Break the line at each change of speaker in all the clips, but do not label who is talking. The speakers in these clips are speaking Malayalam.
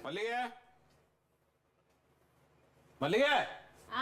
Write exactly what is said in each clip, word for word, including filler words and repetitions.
മല്ലികേ മല്ലികേ
ആ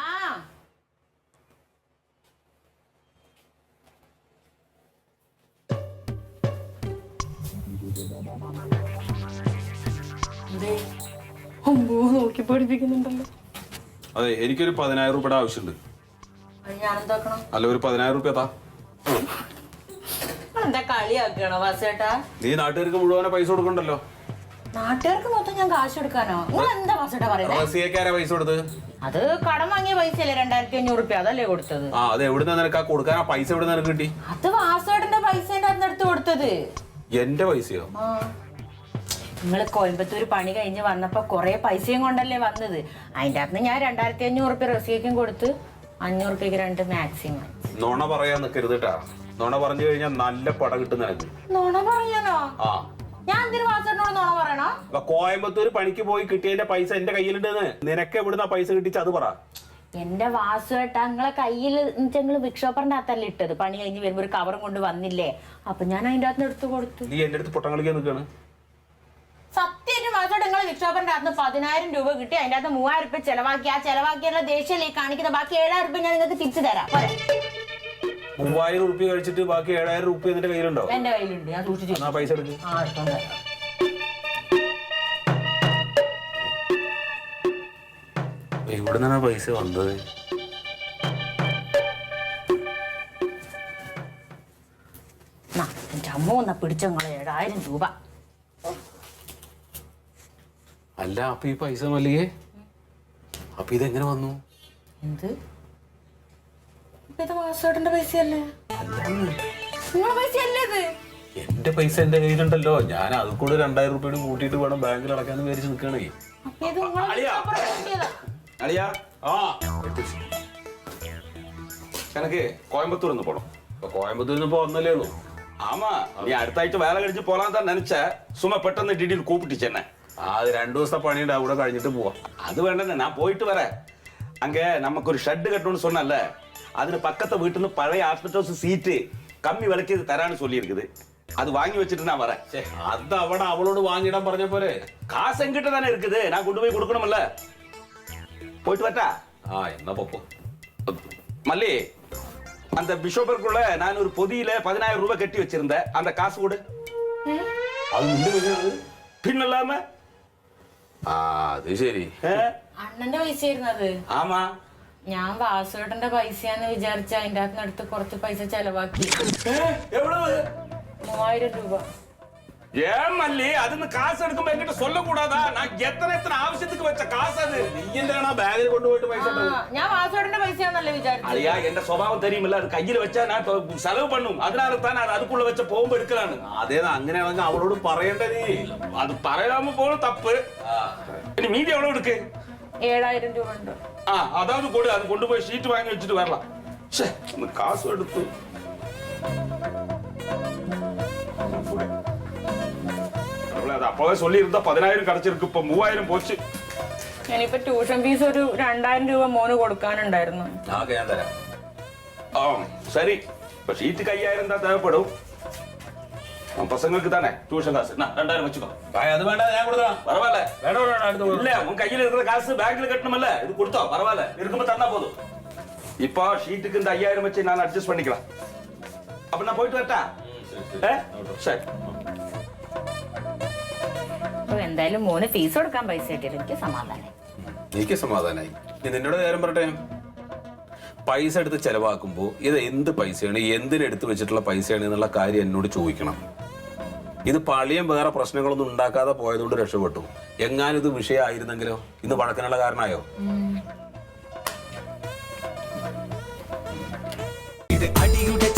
നോക്കി പഠിപ്പിക്കുന്നുണ്ടല്ലോ.
അതെ, എനിക്കൊരു പതിനായിരം രൂപയുടെ ആവശ്യമുണ്ട്. അല്ല, ഒരു പതിനായിരം രൂപ താ.
എന്താ കളിയാക്കണോ വാസേട്ടാ?
നീ നാട്ടുകാർക്ക് മുഴുവനെ പൈസ കൊടുക്കണ്ടല്ലോ.
നാട്ടുകാർക്ക് മൊത്തം ഞാൻ കാശ് കൊടുക്കാനോ? നിങ്ങൾ എന്താ വാസേട്ടാ പറയുന്നത്?
പൈസ കൊടുത്ത്
അത് കടം വാങ്ങിയ പൈസ അല്ലേ? രണ്ടായിരത്തി അഞ്ഞൂറ് രൂപ അതല്ലേ കൊടുത്തത്?
ആ, അത് എവിടെ നിനക്ക് കൊടുക്കാൻ ആ പൈസ എവിടെ നിനക്ക് കിട്ടി?
അത് വാസേട്ടന്റെ പൈസ അടുത്ത് കൊടുത്തത്.
എന്റെ പൈസയോ?
നിങ്ങള് കോയമ്പത്തൂർ പണി കഴിഞ്ഞ് വന്നപ്പോ കൊറേ പൈസയും കൊണ്ടല്ലേ വന്നത്. അതിന്റെ അകത്ത് ഞാൻ രണ്ടായിരത്തി അഞ്ഞൂറ് റുപ്യ റസിയക്കും കൊടുത്ത് അഞ്ഞൂറ് റുപ്യക്ക് രണ്ട് മാക്സിമം.
നോണ പറയാൻ നിൽക്കരുത് കേട്ടാ. നോണ പറഞ്ഞു കഴിഞ്ഞാൽ നല്ല പട കിട്ടും നിനക്ക്.
നോണ പറയാനോ?
ആ,
ഞാൻ എന്തിനു വാസേട്ടനോട് നോണ പറയണോ?
കോയമ്പത്തൂർ പണിക്ക് പോയി കിട്ടിയതിന്റെ പൈസ എന്റെ കയ്യിലുണ്ടെന്ന്. നിനക്ക് എവിടുന്ന പൈസ കിട്ടിച്ച അത് പറ.
എന്റെ വാസുവേട്ടാ, നിങ്ങളെ കയ്യിൽ നിങ്ങള് ബിക്ഷോപ്പറിന്റെ അകത്തല്ലേ ഇട്ടത്? പണി കഴിഞ്ഞ് വരുമ്പോ ഒരു കവറും കൊണ്ട് വന്നില്ലേ? അപ്പൊ ഞാൻ അതിന്റെ അകത്ത് എടുത്തു കൊടുത്തു.
നീ എന്റെ അടുത്ത് പൊട്ടം കളിക്കാൻ നിൽക്കാണ്.
സത്യം വാസോട്ട്, നിങ്ങൾ ബിക്ഷോപ്പറിന്റെ അകത്ത് പതിനായിരം രൂപ കിട്ടി, അതിന്റെ അകത്ത് മൂവായിരം രൂപ ചെലവാക്കി. ആ ചെലവാക്കിയുള്ള ദേഷ്യല്ലേ കാണിക്കുന്ന? ബാക്കി ഏഴായിരം രൂപ ഞാൻ നിങ്ങൾക്ക് തിരിച്ചു തരാം.
മൂവായിരം റുപ്യ കഴിച്ചിട്ട് ബാക്കി ഏഴായിരം റുപ്യ നിന്റെ കയ്യിലുണ്ടോ?
എന്റെ കയ്യിലുണ്ട്, ഞാൻ സൂക്ഷിച്ചു.
പൈസ എടുക്ക്. എവിടെ നിന്നാണ് പൈസ വന്നത്?
എന്റെ അമ്മ വന്ന പിടിച്ചങ്ങളെ ഏഴായിരം രൂപ.
അല്ല, അപ്പൊ ഈ പൈസ മല്ലികേ, അപ്പൊ ഇതെങ്ങനെ വന്നു?
എന്ത്? ഇത് വാസോട്ടന്റെ പൈസയല്ലേ? നിങ്ങളെ പൈസയല്ലേ ഇത്?
എന്റെ പൈസ എന്റെ കയ്യിലുണ്ടല്ലോ. ഞാൻ അത് കൂടെ രണ്ടായിരം രൂപയോട് കൂട്ടിയിട്ട് വേണം ബാങ്കിൽ അടക്കാന്ന് വിചാരിച്ച് നിൽക്കണേ. எனக்கு கோயம்புத்தூர் இருந்து போனோம். கோயம்புத்தூர் இருந்து போனதே உള്ളൂ. ஆமா, நீ அடுத்த ஆഴ്ച வேலை கழிச்சு போலாம் தான் நினைச்ச. சும்மா பெട്ടെന്ന് டிடியில் கூப்பிட்டுச்சு என்ன. அது ரெண்டு ദിവസത്തെ പണിയുടെ അവിടെ കഴിഞ്ഞിട്ട് പോവാം. அது வேண்டாம், நான் போயிட்டு வரேன். அங்க நமக்கு ஒரு ஷெட் கட்டணும்னு சொன்னல, അതിന് പക്കത്തെ വീട്ടിൽ നിന്ന് പഴയ ആസ്പെറ്റോസ് സീറ്റ് കമ്മി വിലക്ക് തരാന്ന് சொல்லியிருக்குது. அது வாங்கி வச்சுட்டு நான் வரேன். அது അവിടെ അവളോട് വാങ്ങിടാൻ പറഞ്ഞ പോലെ. காசு என்கிட்ட தானே இருக்குது, நான் கொண்டு போய் கொடுக்கணும்ல. போயிட்டு வரட்டா? ஆ, என்ன பப்போ. மல்லி, அந்த பிஷோப்பருக்குள்ள நான் ஒரு பொதியில பதினாயிரம் ரூபாய் கட்டி வச்சிருந்தேன். அந்த காசு கொடு. அது நின்று பின்னலாம. ആ, അത് ശരി.
അണ്ണന്റെ പൈസയായിരുന്നു അത്.
ആമാ,
ഞാൻ വാസുവേട്ടന്റെ പൈസയാന്ന് വിചാരിച്ച അതിന്റെ അകത്ത് അടുത്ത് കുറച്ച് പൈസ ചെലവാക്കി. മൂവായിരം രൂപ.
ஏன் மல்லி, அதுன்னு காசு எடுக்கும் என்கிட்ட சொல்ல கூடாதா? நான் எத்தனை எத்தனை ஆവശ്യத்துக்கு வச்ச காசு அது. நீ என்னடா பேக்கில் கொண்டு போயிட்டு பைசா தர?
ഞാൻ വാസുവേട്ടന്റെ പൈസയാന്നല്ലേ വിചാരിച്ചത്.
ஐயா, என்ற സ്വഭാവം தெரியுமில்ல, அது கையில வச்சா நான் செலவு பண்ணும். அதனால தான் நான் அதுக்குள்ள வச்ச போகும்போது எடுக்கலான்னு. அதேதான், അങ്ങനെയാണെങ്കിൽ അവളോട് പറയണ്ടേ നീ. അത് പറയാമ പോലും തപ്പ്. ഇനി മീതി എவ்வளவு இருக்கு?
ഏഴായിരം രൂപ ഉണ്ട്.
ആ, അതാவது കൊട്. അത് കൊണ്ടുപോയി ഷീറ്റ് വാങ്ങി വെച്ചിട്ട് വരலாம். ഛേ, കാശ് എടുത്തു. அப்பவே சொல்லி இருந்தா பதினாயிரம் கிடைச்சிருக்கு. இப்ப மூவாயிரம் போச்சு.
ഞാനിപ്പോ ട്യൂഷൻ ഫീസ് ഒരു രണ്ടായിരം രൂപ മോന് കൊടുക്കാനുണ്ടായിരുന്നു.
ഞാൻ തരാം. ആ, ശരി. ഇപ്പൊ ഷീറ്റ് അയ്യായിരം എന്താ தேவைப்படும்? பசங்களுக்கு தானே டியூஷன் காசு. ரெண்டாயிரம் வச்சுக்கோ. அது வேண்டாம், ഞാൻ കൊടുക്കാം. பரவாயில்ல. வேண்டாம் வேண்டாம், அடுத்து இல்ல. உன் கையில இருக்கிற காசு பேங்க்ல கட்டணும்ல, இது கொடுத்தோ பரவாயில்ல. இருக்கும்போது தந்தா போதும். இப்போ ஷீட்டுக்கு இந்த ஐயாயிரம் வச்சு நான் அட்ஜஸ்ட் பண்ணிக்கலாம். அப்ப நான் போயிட்டு வரட்டா? சரி.
എന്തായാലും മോന് ഫീസ് കൊടുക്കാൻ പൈസ കിട്ടിയത് എനിക്ക് സമാധാനം.
എനിക്ക് സമാധാനായി. നിന്നോട് നേരം പറട്ടെ, പൈസ എടുത്ത് ചെലവാക്കുമ്പോ ഇത് എന്ത് പൈസയാണ്, എന്തിനെടുത്ത് വെച്ചിട്ടുള്ള പൈസയാണ് എന്നുള്ള കാര്യം എന്നോട് ചോദിക്കണം. ഇത് പള്ളിയും വേറെ പ്രശ്നങ്ങളൊന്നും ഉണ്ടാക്കാതെ പോയതുകൊണ്ട് രക്ഷപ്പെട്ടു. എങ്ങാനും ഇത് വിഷയമായിരുന്നെങ്കിലോ ഇന്ന് വഴക്കിനുള്ള കാരണമായോ?
ഇത് അടിയുടെ